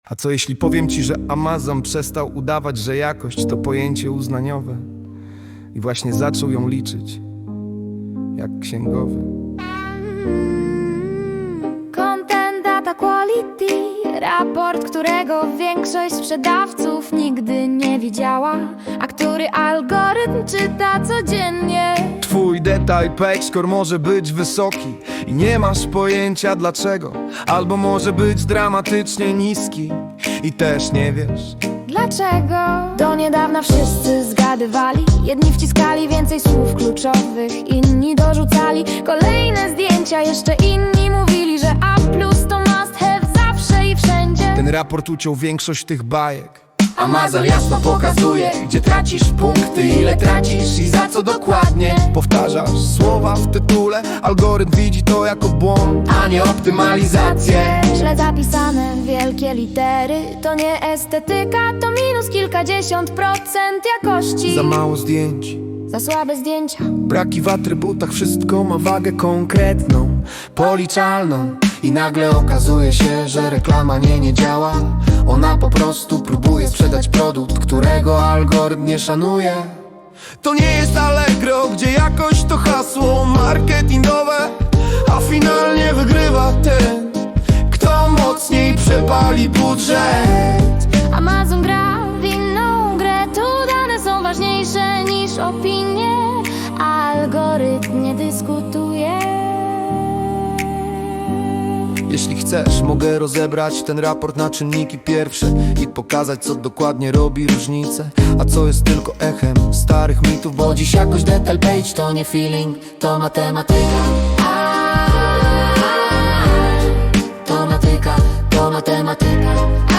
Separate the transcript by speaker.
Speaker 1: A co jeśli powiem ci, że Amazon przestał udawać, że jakość to pojęcie uznaniowe i właśnie zaczął ją liczyć jak księgowy?
Speaker 2: Content Data Quality, raport, którego większość sprzedawców nigdy nie widziała, a który algorytm czyta codziennie.
Speaker 1: Twój detail page score może być wysoki i nie masz pojęcia dlaczego, albo może być dramatycznie niski i też nie wiesz
Speaker 2: Dlaczego? Do niedawna wszyscy zgadywali. Jedni wciskali więcej słów kluczowych, inni dorzucali kolejne zdjęcia. Jeszcze inni mówili, że A+ to must have zawsze i wszędzie.
Speaker 1: Ten raport uciął większość tych bajek.
Speaker 3: Amazon jasno pokazuje, gdzie tracisz punkty, ile tracisz i za co dokładnie.
Speaker 1: Powtarzasz słowa w tytule, algorytm widzi to jako błąd,
Speaker 3: A nie optymalizację.
Speaker 2: Źle zapisane wielkie litery to nie estetyka, to minus kilkadziesiąt procent jakości.
Speaker 1: za mało zdjęć,
Speaker 2: Za słabe zdjęcia.
Speaker 1: braki w atrybutach, wszystko ma wagę konkretną, policzalną.
Speaker 3: I nagle okazuje się, że reklama nie działa. Ona po prostu próbuje sprzedać produkt, którego algorytm nie szanuje.
Speaker 1: To nie jest Allegro, gdzie jakość to hasło marketingowe, a finalnie wygrywa ten, kto mocniej przepali budżet.
Speaker 2: Amazon gra w inną grę, tu dane są ważniejsze niż opinie, a algorytm nie dyskutuje.
Speaker 1: Jeśli chcesz, mogę rozebrać ten raport na czynniki pierwsze i pokazać, co dokładnie robi różnicę, a co jest tylko echem starych mitów,
Speaker 3: Bo dziś jakoś detail page to nie feeling, to matematyka. To matematyka.